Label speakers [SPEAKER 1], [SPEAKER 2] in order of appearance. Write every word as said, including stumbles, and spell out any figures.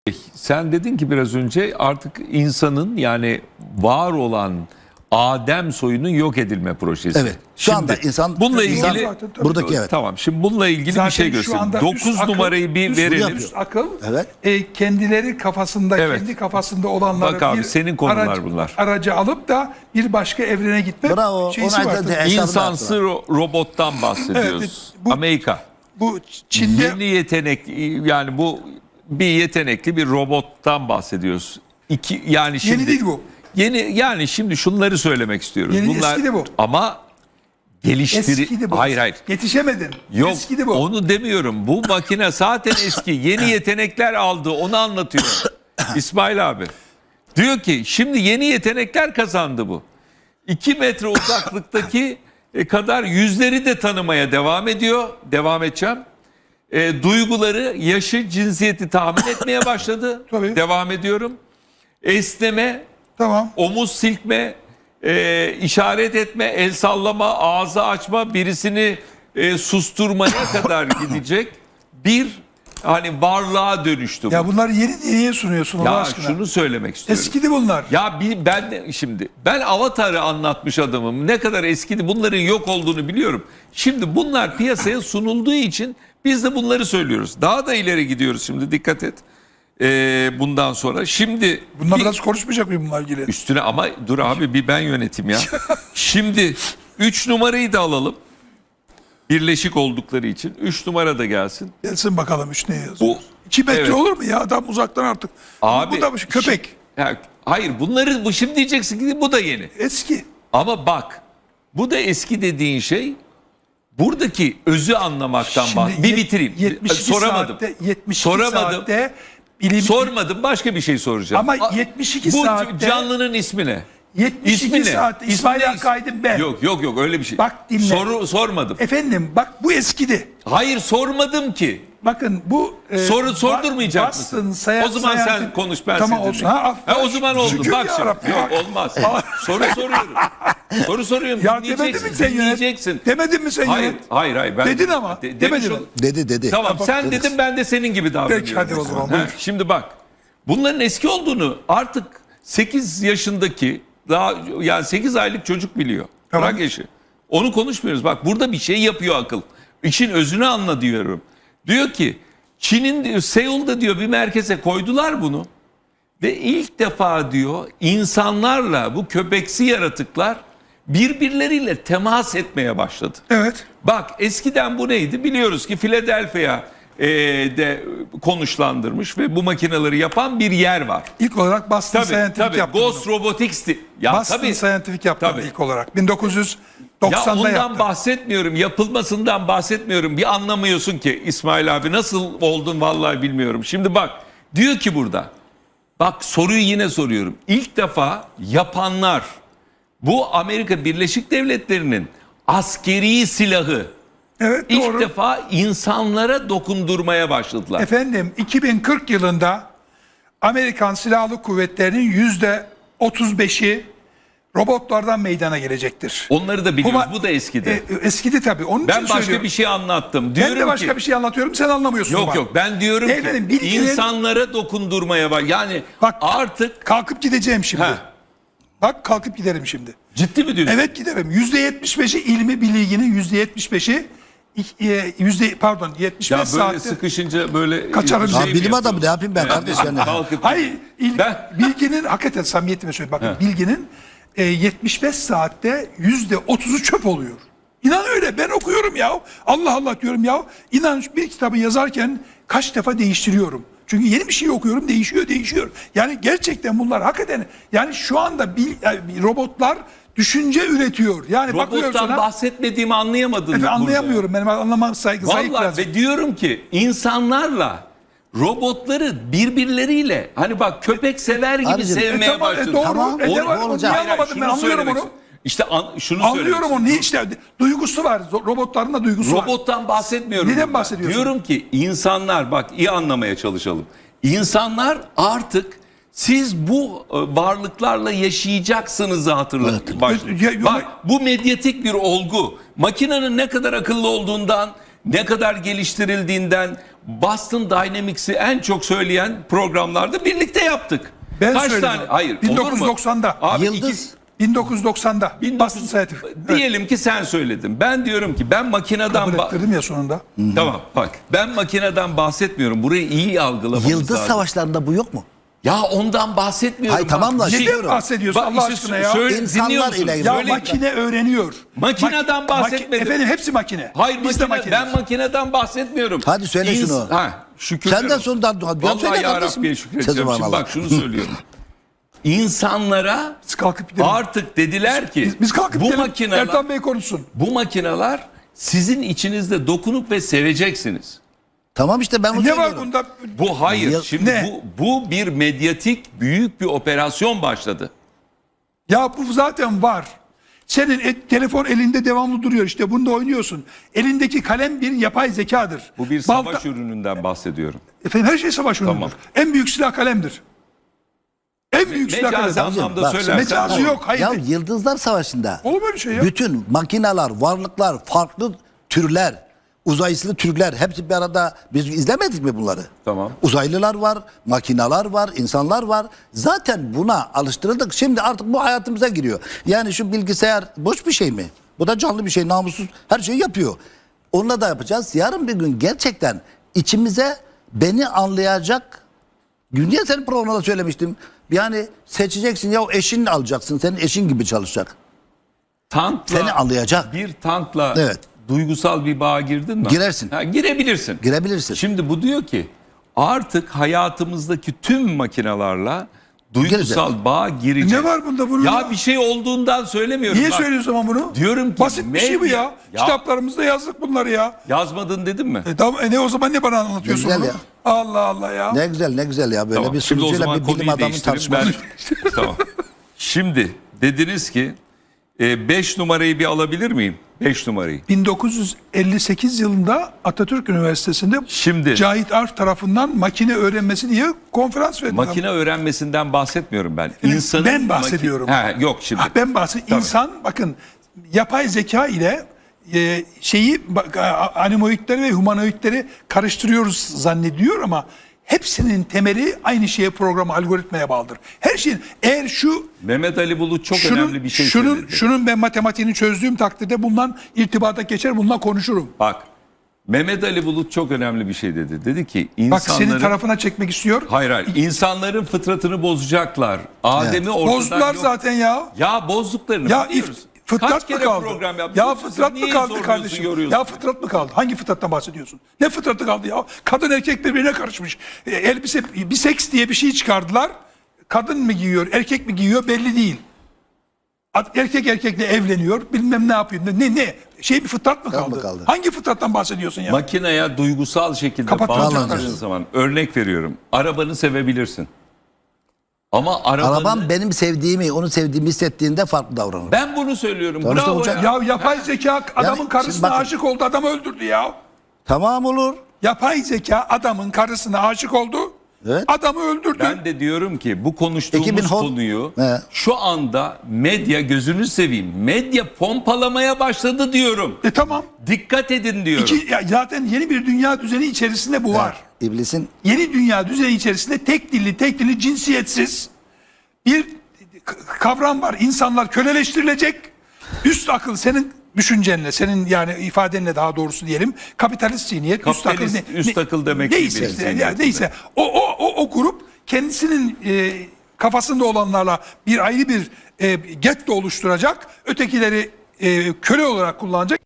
[SPEAKER 1] Sen dedin ki biraz önce artık insanın yani var olan Adem soyunun yok edilme projesi.
[SPEAKER 2] Evet. Şu anda insan
[SPEAKER 1] bununla
[SPEAKER 2] insan-
[SPEAKER 1] ilgili
[SPEAKER 2] buradaki evet.
[SPEAKER 1] Tamam. Şimdi bununla ilgili
[SPEAKER 3] Zaten
[SPEAKER 1] bir şey
[SPEAKER 3] şu
[SPEAKER 1] göstereyim.
[SPEAKER 3] anda
[SPEAKER 1] dokuz
[SPEAKER 3] üst akıl-
[SPEAKER 1] numarayı bir
[SPEAKER 3] üst
[SPEAKER 1] verelim.
[SPEAKER 3] üst akıl
[SPEAKER 2] Evet.
[SPEAKER 3] e, kendileri kafasında
[SPEAKER 1] Evet.
[SPEAKER 3] kendi kafasında olanları
[SPEAKER 1] Bak abi,
[SPEAKER 3] bir
[SPEAKER 1] senin konular
[SPEAKER 3] aracı,
[SPEAKER 1] bunlar.
[SPEAKER 3] aracı alıp da bir başka evrene gitme
[SPEAKER 2] Bravo.
[SPEAKER 3] şeysi
[SPEAKER 2] Ona
[SPEAKER 3] var.
[SPEAKER 2] da-
[SPEAKER 3] tabii.
[SPEAKER 1] İnsansı ro- robottan bahsediyoruz.
[SPEAKER 3] Evet, bu-
[SPEAKER 1] Amerika.
[SPEAKER 3] Bu Çin'de
[SPEAKER 1] Yeni yetenek yani bu bir yetenekli bir robottan bahsediyoruz. İki yani şimdi
[SPEAKER 3] yeni değil bu.
[SPEAKER 1] Yeni yani şimdi şunları söylemek istiyoruz.
[SPEAKER 3] Yeni,
[SPEAKER 1] Bunlar
[SPEAKER 3] eskidi bu.
[SPEAKER 1] ama geliştiri
[SPEAKER 3] Eskidi bu.
[SPEAKER 1] Hayır hayır.
[SPEAKER 3] Yetişemedin.
[SPEAKER 1] Yok
[SPEAKER 3] Eskidi bu.
[SPEAKER 1] onu demiyorum. Bu makine zaten eski. Yeni yetenekler aldı. Onu anlatıyor. İsmail abi. Diyor ki şimdi yeni yetenekler kazandı bu. iki metre uzaklıktaki e, kadar yüzleri de tanımaya devam ediyor. Devam edeceğim. E, duyguları, yaşı, cinsiyeti tahmin etmeye başladı.
[SPEAKER 3] Tabii.
[SPEAKER 1] Devam ediyorum. Esneme,
[SPEAKER 3] Tamam.
[SPEAKER 1] omuz silkme, e, işaret etme, el sallama, ağzı açma, birisini e, susturmaya kadar gidecek bir hani varlığa dönüştü bu.
[SPEAKER 3] Ya bunları yeni niye sunuyorsun Allah
[SPEAKER 1] Ya
[SPEAKER 3] aşkına?
[SPEAKER 1] şunu söylemek istiyorum.
[SPEAKER 3] Eskidi bunlar.
[SPEAKER 1] Ya bir, ben de şimdi ben Avatar'ı anlatmış adamım. Ne kadar eskidi bunların yok olduğunu biliyorum. Şimdi bunlar piyasaya sunulduğu için biz de bunları söylüyoruz. Daha da ileri gidiyoruz şimdi dikkat et. Ee, bundan sonra şimdi
[SPEAKER 3] Bunlar
[SPEAKER 1] bir-
[SPEAKER 3] biraz konuşmayacak mıyım bununla ilgili?
[SPEAKER 1] üstüne ama dur abi bir ben yönetim ya. Şimdi üç numarayı da alalım. Birleşik oldukları için üç numara da gelsin.
[SPEAKER 3] Gelsin bakalım üç ne yazıyor.
[SPEAKER 1] Bu
[SPEAKER 3] İki metre
[SPEAKER 1] evet.
[SPEAKER 3] olur mu ya adam uzaktan artık.
[SPEAKER 1] Abi
[SPEAKER 3] bu da bir köpek.
[SPEAKER 1] şi- ya, hayır bunları bu şimdi diyeceksin ki bu da yeni.
[SPEAKER 3] Eski.
[SPEAKER 1] Ama bak bu da eski dediğin şey buradaki özü anlamaktan
[SPEAKER 3] Şimdi
[SPEAKER 1] bahs. Bir
[SPEAKER 3] yet-
[SPEAKER 1] bitireyim.
[SPEAKER 3] yetmiş iki
[SPEAKER 1] Soramadım.
[SPEAKER 3] Saatte, yetmiş iki
[SPEAKER 1] Soramadım.
[SPEAKER 3] saatte bilim,
[SPEAKER 1] Sormadım başka bir şey soracağım.
[SPEAKER 3] Ama
[SPEAKER 1] A-
[SPEAKER 3] yetmiş iki
[SPEAKER 1] bu
[SPEAKER 3] saatte-
[SPEAKER 1] canlının ismi ne?
[SPEAKER 3] yetmiş iki
[SPEAKER 1] İsmi ne?
[SPEAKER 3] saatte
[SPEAKER 1] İsmi
[SPEAKER 3] İsmail
[SPEAKER 1] ne?
[SPEAKER 3] Hakkı Aydın ben.
[SPEAKER 1] Yok yok yok öyle bir şey.
[SPEAKER 3] Bak dinle.
[SPEAKER 1] Soru sormadım.
[SPEAKER 3] Efendim bak bu eskidi.
[SPEAKER 1] Hayır sormadım ki.
[SPEAKER 3] Bakın bu e,
[SPEAKER 1] Soru sordurmayacak
[SPEAKER 3] Boston
[SPEAKER 1] mısın?
[SPEAKER 3] Seyahat-
[SPEAKER 1] O zaman sen
[SPEAKER 3] Seyahat-
[SPEAKER 1] konuş ben
[SPEAKER 3] Tamam
[SPEAKER 1] sizi
[SPEAKER 3] olsun.
[SPEAKER 1] dinleyeyim.
[SPEAKER 3] Ha,
[SPEAKER 1] Ha, o zaman oldu.
[SPEAKER 3] şükür
[SPEAKER 1] Bak
[SPEAKER 3] ya
[SPEAKER 1] şimdi.
[SPEAKER 3] Rabbi.
[SPEAKER 1] Yok olmaz. Soru soruyorum. Soru soruyorum.
[SPEAKER 3] Ya demedin
[SPEAKER 1] Dinleyeceksin.
[SPEAKER 3] mi sen yönet?
[SPEAKER 1] Dinleyeceksin.
[SPEAKER 3] Demedin mi sen
[SPEAKER 1] Hayır,
[SPEAKER 3] yönet?
[SPEAKER 1] hayır, hayır. Ben,
[SPEAKER 3] Dedin ama.
[SPEAKER 1] De,
[SPEAKER 3] Demedin
[SPEAKER 1] demiş
[SPEAKER 3] mi?
[SPEAKER 1] ol-
[SPEAKER 2] Dedi dedi.
[SPEAKER 1] Tamam
[SPEAKER 3] Bak,
[SPEAKER 1] sen
[SPEAKER 2] dediniz.
[SPEAKER 1] dedin ben de senin gibi davranıyorum.
[SPEAKER 3] Peki, hadi o zaman,
[SPEAKER 1] Ha,
[SPEAKER 3] buyur.
[SPEAKER 1] Şimdi bak. Bunların eski olduğunu artık sekiz yaşındaki daha yani sekiz aylık çocuk biliyor.
[SPEAKER 3] Tamam.
[SPEAKER 1] Bırak yaşı. Onu konuşmuyoruz. Bak burada bir şey yapıyor akıl. İşin özünü anla diyorum. Diyor ki Çin'in diyor, Seul'da diyor bir merkeze koydular bunu. Ve ilk defa diyor insanlarla bu köpeksi yaratıklar birbirleriyle temas etmeye başladı.
[SPEAKER 3] Evet.
[SPEAKER 1] Bak eskiden bu neydi? Biliyoruz ki Philadelphia e, de konuşlandırmış ve bu makineleri yapan bir yer var.
[SPEAKER 3] İlk olarak Boston
[SPEAKER 1] Tabii
[SPEAKER 3] Scientific
[SPEAKER 1] tabii
[SPEAKER 3] yaptı
[SPEAKER 1] Ghost
[SPEAKER 3] bunu.
[SPEAKER 1] Robotics'ti. Ya
[SPEAKER 3] Boston
[SPEAKER 1] tabii.
[SPEAKER 3] Scientific yaptı
[SPEAKER 1] Tabii.
[SPEAKER 3] bunu ilk olarak. bin dokuz yüz
[SPEAKER 1] Ya
[SPEAKER 3] doksanda
[SPEAKER 1] ondan
[SPEAKER 3] yaptı.
[SPEAKER 1] bahsetmiyorum, yapılmasından bahsetmiyorum. Bir anlamıyorsun ki İsmail abi nasıl oldun vallahi bilmiyorum. Şimdi bak diyor ki burada. Bak soruyu yine soruyorum. İlk defa yapanlar bu Amerika Birleşik Devletleri'nin askeri silahı
[SPEAKER 3] Evet
[SPEAKER 1] ilk
[SPEAKER 3] doğru.
[SPEAKER 1] defa insanlara dokundurmaya başladılar.
[SPEAKER 3] Efendim iki bin kırk yılında Amerikan Silahlı Kuvvetleri'nin yüzde otuz beşi robotlardan meydana gelecektir.
[SPEAKER 1] Onları da biliyoruz.
[SPEAKER 3] Ama-
[SPEAKER 1] Bu da eskidi.
[SPEAKER 3] E, eskidi tabii. Onun
[SPEAKER 1] ben
[SPEAKER 3] için
[SPEAKER 1] başka
[SPEAKER 3] söylüyorum.
[SPEAKER 1] bir şey anlattım. Diyorum
[SPEAKER 3] Ben de başka
[SPEAKER 1] ki,
[SPEAKER 3] bir şey anlatıyorum sen anlamıyorsun.
[SPEAKER 1] Yok
[SPEAKER 3] bak.
[SPEAKER 1] yok ben diyorum ki
[SPEAKER 3] Efendim, bilgilerin-
[SPEAKER 1] insanlara dokundurmaya var. Yani
[SPEAKER 3] Bak
[SPEAKER 1] artık
[SPEAKER 3] kalkıp gideceğim şimdi.
[SPEAKER 1] Heh.
[SPEAKER 3] Bak kalkıp giderim şimdi.
[SPEAKER 1] ciddi mi diyorsun?
[SPEAKER 3] Evet giderim. yüzde yetmiş beşi ilmi bilginin yüzde yetmiş beşi e, yüzde pardon yetmiş beş
[SPEAKER 1] Ya böyle
[SPEAKER 3] saatte.
[SPEAKER 1] sıkışınca böyle
[SPEAKER 3] Kaçarım.
[SPEAKER 1] şey
[SPEAKER 2] Ya
[SPEAKER 1] mi
[SPEAKER 2] bilim adamı
[SPEAKER 1] yapıyorsun?
[SPEAKER 2] ne yapayım ben
[SPEAKER 1] Yani
[SPEAKER 2] kardeş yani.
[SPEAKER 1] kalkıp-
[SPEAKER 3] Hayır, il,
[SPEAKER 1] Ben-
[SPEAKER 3] bilginin hakikaten samimiyetime söyleyeyim. Bakın bilginin e, yetmiş beş saatte yüzde otuzu çöp oluyor. İnan öyle. Ben okuyorum ya. Allah Allah diyorum ya. İnan bir kitabı yazarken kaç defa değiştiriyorum. Çünkü yeni bir şey okuyorum, değişiyor, değişiyor. Yani gerçekten bunlar hakikaten yani şu anda bil, yani robotlar düşünce üretiyor. Yani bakıyorum
[SPEAKER 1] Robottan
[SPEAKER 3] sana.
[SPEAKER 1] bahsetmediğimi anlayamadın.
[SPEAKER 3] Efendim,
[SPEAKER 1] burada.
[SPEAKER 3] anlayamıyorum. Benim anlamam saygı, zayıf
[SPEAKER 1] Vallahi
[SPEAKER 3] biraz.
[SPEAKER 1] ve diyorum ki insanlarla robotları birbirleriyle hani bak köpek sever gibi
[SPEAKER 2] Abicim,
[SPEAKER 1] sevmeye
[SPEAKER 3] E tamam, e
[SPEAKER 1] başladı.
[SPEAKER 3] doğru.
[SPEAKER 2] Tamam,
[SPEAKER 3] E
[SPEAKER 2] o-
[SPEAKER 3] ne var?
[SPEAKER 2] o
[SPEAKER 3] Onu
[SPEAKER 2] olacak.
[SPEAKER 3] niye anlamadım
[SPEAKER 1] şunu
[SPEAKER 3] ben anlıyorum
[SPEAKER 1] söylemek
[SPEAKER 3] onu.
[SPEAKER 1] istiyorum. İşte an, şunu
[SPEAKER 3] Anlıyorum
[SPEAKER 1] söylemek
[SPEAKER 3] onu. Niye işte duygusu var. Zo- Robotların da duygusu var.
[SPEAKER 1] Robottan bahsetmiyorum.
[SPEAKER 3] Neden
[SPEAKER 1] burada.
[SPEAKER 3] bahsediyorsun?
[SPEAKER 1] Diyorum ki insanlar bak iyi anlamaya çalışalım. İnsanlar artık siz bu e, varlıklarla yaşayacaksınızı hatırlatın. başlayın.
[SPEAKER 3] Ya- ya-
[SPEAKER 1] Bak bu medyatik bir olgu. Makinenin ne kadar akıllı olduğundan, ne kadar geliştirildiğinden, Boston Dynamics'i en çok söyleyen programlarda birlikte yaptık.
[SPEAKER 3] Ben
[SPEAKER 1] Kaç
[SPEAKER 3] söyledim.
[SPEAKER 1] tane? Hayır.
[SPEAKER 3] bin
[SPEAKER 1] olur mu?
[SPEAKER 3] dokuz yüz doksanda.
[SPEAKER 1] Abi
[SPEAKER 2] Yıldız.
[SPEAKER 1] iki-
[SPEAKER 3] bin dokuz yüz doksanda.
[SPEAKER 1] bin dokuz
[SPEAKER 3] Boston
[SPEAKER 1] yüz
[SPEAKER 3] Scientific.
[SPEAKER 1] Diyelim ki sen söyledin. Ben diyorum ki ben makineden
[SPEAKER 3] Kabul
[SPEAKER 1] ba-
[SPEAKER 3] ettirdim ya sonunda.
[SPEAKER 1] Tamam bak ben makineden bahsetmiyorum. Burayı iyi algılamamız
[SPEAKER 2] Yıldız
[SPEAKER 1] lazım.
[SPEAKER 2] savaşlarında bu yok mu?
[SPEAKER 1] Ya ondan bahsetmiyorum.
[SPEAKER 2] Hayır, tamam da
[SPEAKER 1] Bir-
[SPEAKER 2] şey-
[SPEAKER 3] Neden bahsediyorsun
[SPEAKER 1] Bak
[SPEAKER 3] Allah
[SPEAKER 1] işte
[SPEAKER 3] aşkına ya?
[SPEAKER 1] söyle-
[SPEAKER 2] İnsanlar
[SPEAKER 1] dinliyor musun?
[SPEAKER 2] ile ilgili.
[SPEAKER 3] Ya
[SPEAKER 1] Söyle-
[SPEAKER 3] makine öğreniyor.
[SPEAKER 1] Makineden
[SPEAKER 3] Maki-
[SPEAKER 1] bahsetmedim.
[SPEAKER 3] Efendim hepsi makine.
[SPEAKER 1] Hayır
[SPEAKER 3] Biz de
[SPEAKER 1] makine,
[SPEAKER 3] makineyiz.
[SPEAKER 1] ben makineden bahsetmiyorum.
[SPEAKER 2] Hadi söyle
[SPEAKER 1] İns-
[SPEAKER 2] şunu.
[SPEAKER 1] Ha, şükür.
[SPEAKER 2] Senden sonra da- da-
[SPEAKER 1] Vallahi
[SPEAKER 2] söyle
[SPEAKER 1] ya
[SPEAKER 2] kardeşim.
[SPEAKER 1] Rabbi'ye şükredeceğim.
[SPEAKER 2] Sözüm
[SPEAKER 1] Şimdi
[SPEAKER 2] Allah.
[SPEAKER 1] bak şunu söylüyorum. İnsanlara
[SPEAKER 3] Biz kalkıp gidelim.
[SPEAKER 1] artık dediler ki
[SPEAKER 3] Biz, biz kalkıp
[SPEAKER 1] bu
[SPEAKER 3] gidelim.
[SPEAKER 1] makineler
[SPEAKER 3] Ertan Bey konuşsun.
[SPEAKER 1] bu makineler sizin içinizde dokunup ve seveceksiniz.
[SPEAKER 2] Tamam işte ben onu
[SPEAKER 3] Ne var
[SPEAKER 2] söylüyorum.
[SPEAKER 3] bunda?
[SPEAKER 1] Bu hayır.
[SPEAKER 2] Ya-
[SPEAKER 1] Şimdi
[SPEAKER 3] Ne?
[SPEAKER 1] bu bu bir medyatik büyük bir operasyon başladı.
[SPEAKER 3] Ya bu zaten var. Senin e- telefon elinde devamlı duruyor işte bunda oynuyorsun. Elindeki kalem bir yapay zekadır.
[SPEAKER 1] Bu bir
[SPEAKER 3] Balta-
[SPEAKER 1] savaş ürününden bahsediyorum.
[SPEAKER 3] Efendim her şey savaş ürünüdür.
[SPEAKER 1] Tamam.
[SPEAKER 3] En büyük silah kalemdir. En büyük silah
[SPEAKER 1] Mecazi
[SPEAKER 3] kalemdir.
[SPEAKER 1] anlamda
[SPEAKER 2] Bak,
[SPEAKER 1] söylersen.
[SPEAKER 3] mecazı
[SPEAKER 1] olur.
[SPEAKER 3] yok. Hayır.
[SPEAKER 2] Ya Yıldızlar Savaşı'nda
[SPEAKER 3] Olur böyle şey ya.
[SPEAKER 2] bütün makineler, varlıklar, farklı türler, uzaylı türler hepsi bir arada biz izlemedik mi bunları?
[SPEAKER 1] Tamam.
[SPEAKER 2] Uzaylılar var, makineler var, insanlar var. Zaten buna alıştırıldık. Şimdi artık bu hayatımıza giriyor. Yani şu bilgisayar boş bir şey mi? Bu da canlı bir şey, namussuz her şeyi yapıyor. Onunla da yapacağız. Yarın bir gün gerçekten içimize beni anlayacak. Dünya senin programda söylemiştim. Yani seçeceksin ya eşini alacaksın. Senin eşin gibi çalışacak.
[SPEAKER 1] Tankla
[SPEAKER 2] Seni anlayacak.
[SPEAKER 1] bir tankla
[SPEAKER 2] Evet.
[SPEAKER 1] duygusal bir bağa girdin mi?
[SPEAKER 2] Girersin.
[SPEAKER 1] Ha, girebilirsin.
[SPEAKER 2] Girebilirsin.
[SPEAKER 1] Şimdi bu diyor ki artık hayatımızdaki tüm makinalarla duygusal
[SPEAKER 2] Gireceğiz.
[SPEAKER 1] bağa gireceğiz.
[SPEAKER 3] Ne var bunda bunun?
[SPEAKER 1] Ya bir şey olduğundan söylemiyorum.
[SPEAKER 3] Niye
[SPEAKER 1] Bak,
[SPEAKER 3] söylüyorsun ama bunu?
[SPEAKER 1] Diyorum ki
[SPEAKER 3] Basit bir şey bu
[SPEAKER 1] medya-
[SPEAKER 3] ya.
[SPEAKER 1] Ya-
[SPEAKER 3] Kitaplarımızda yazdık bunları ya.
[SPEAKER 1] Yazmadın dedim mi?
[SPEAKER 3] E, tamam, e ne o zaman ne bana anlatıyorsun
[SPEAKER 2] Ne güzel
[SPEAKER 3] bunu?
[SPEAKER 2] ya.
[SPEAKER 3] Allah Allah ya.
[SPEAKER 2] Ne güzel ne güzel ya böyle
[SPEAKER 1] Tamam,
[SPEAKER 2] bir
[SPEAKER 1] şimdi o
[SPEAKER 2] sunucuyla
[SPEAKER 1] zaman
[SPEAKER 2] bir bilim
[SPEAKER 1] konuyu
[SPEAKER 2] adamı
[SPEAKER 1] değiştirin.
[SPEAKER 2] tartışması.
[SPEAKER 1] Ben- Tamam. Şimdi dediniz ki beş numarayı bir alabilir miyim? beş numarayı.
[SPEAKER 3] bin dokuz yüz elli sekiz yılında Atatürk Üniversitesi'nde
[SPEAKER 1] Şimdi
[SPEAKER 3] Cahit Arf tarafından makine öğrenmesi diye konferans verdi.
[SPEAKER 1] makine öğrenmesinden bahsetmiyorum ben. İnsanın
[SPEAKER 3] ben bahsediyorum.
[SPEAKER 1] Maki- Ha, yok şimdi.
[SPEAKER 3] Ha, ben bahsediyorum. İnsan bakın yapay zeka ile e, şeyi bak, a- animoidleri ve humanoidleri karıştırıyoruz zannediyor ama hepsinin temeli aynı şeye programa algoritmaya bağlıdır. Her şeyin eğer şu
[SPEAKER 1] Mehmet Ali Bulut çok
[SPEAKER 3] şunun,
[SPEAKER 1] önemli bir şey
[SPEAKER 3] şunun,
[SPEAKER 1] söyledi.
[SPEAKER 3] şunun ben matematiğini çözdüğüm takdirde bundan irtibata geçer bundan konuşurum.
[SPEAKER 1] Bak Mehmet Ali Bulut çok önemli bir şey dedi. Dedi ki
[SPEAKER 3] Bak
[SPEAKER 1] insanların...
[SPEAKER 3] senin tarafına çekmek istiyor.
[SPEAKER 1] Hayır hayır. İnsanların fıtratını bozacaklar. Adem'i ortadan
[SPEAKER 3] Bozdular
[SPEAKER 1] yok-
[SPEAKER 3] zaten ya.
[SPEAKER 1] Ya bozduklarını
[SPEAKER 3] Ya
[SPEAKER 1] biliyoruz.
[SPEAKER 3] if, fıtrat
[SPEAKER 1] Kaç
[SPEAKER 3] mı
[SPEAKER 1] kere
[SPEAKER 3] kaldı?
[SPEAKER 1] program yaptık?
[SPEAKER 3] Ya
[SPEAKER 1] Siz
[SPEAKER 3] fıtrat mı
[SPEAKER 1] niye
[SPEAKER 3] kaldı
[SPEAKER 1] zorluyorsun,
[SPEAKER 3] kardeşim?
[SPEAKER 1] yoruyorsun?
[SPEAKER 3] Ya fıtrat mı kaldı? Hangi fıtrattan bahsediyorsun? Ne fıtratı kaldı ya? Kadın erkek birbirine karışmış. E, elbise, bir seks diye bir şey çıkardılar. Kadın mı giyiyor, erkek mi giyiyor belli değil. Ad- Erkek erkekle evleniyor, bilmem ne yapıyor. Ne ne? Şey bir fıtrat mı
[SPEAKER 2] Kaldı,
[SPEAKER 3] kaldı?
[SPEAKER 2] kaldı.
[SPEAKER 3] Hangi fıtrattan bahsediyorsun ya?
[SPEAKER 1] Makineye duygusal şekilde
[SPEAKER 3] Kapatacağım
[SPEAKER 1] bağlandığın
[SPEAKER 2] kardeşim.
[SPEAKER 1] zaman örnek veriyorum. Arabanı sevebilirsin. Ama arabanı...
[SPEAKER 2] Arabam benim sevdiğimi, onu sevdiğimi hissettiğinde farklı davranır.
[SPEAKER 1] Ben bunu söylüyorum.
[SPEAKER 2] Tamam işte
[SPEAKER 1] Bravo
[SPEAKER 2] hocam.
[SPEAKER 1] ya.
[SPEAKER 3] Ya yapay zeka adamın
[SPEAKER 2] şimdi
[SPEAKER 3] karısına
[SPEAKER 2] bakın.
[SPEAKER 3] aşık oldu, adamı öldürdü ya.
[SPEAKER 2] Tamam olur.
[SPEAKER 3] Yapay zeka adamın karısına aşık oldu.
[SPEAKER 2] Evet.
[SPEAKER 3] Adamı öldürdü.
[SPEAKER 1] Ben de diyorum ki bu konuştuğumuz
[SPEAKER 2] iki bin on
[SPEAKER 1] konuyu
[SPEAKER 2] He.
[SPEAKER 1] şu anda medya gözünü seveyim. Medya pompalamaya başladı diyorum.
[SPEAKER 3] E tamam.
[SPEAKER 1] Dikkat edin diyorum.
[SPEAKER 3] Ki, ya zaten yeni bir dünya düzeni içerisinde bu var.
[SPEAKER 2] İblisin
[SPEAKER 3] Yeni dünya düzeni içerisinde tek dilli, tek dilli, cinsiyetsiz bir k- kavram var. İnsanlar köleleştirilecek. Üst akıl senin düşüncenle, senin yani ifadenle daha doğrusu diyelim. Kapitalist zihniyet, üst akıl,
[SPEAKER 1] Kapitalist, üst akıl demek
[SPEAKER 3] neyse,
[SPEAKER 1] gibi
[SPEAKER 3] işte,
[SPEAKER 1] zihniyetinde.
[SPEAKER 3] yani neyse. O, o, o, o grup kendisinin e, kafasında olanlarla bir ayrı bir e, getto oluşturacak. Ötekileri e, köle olarak kullanacak.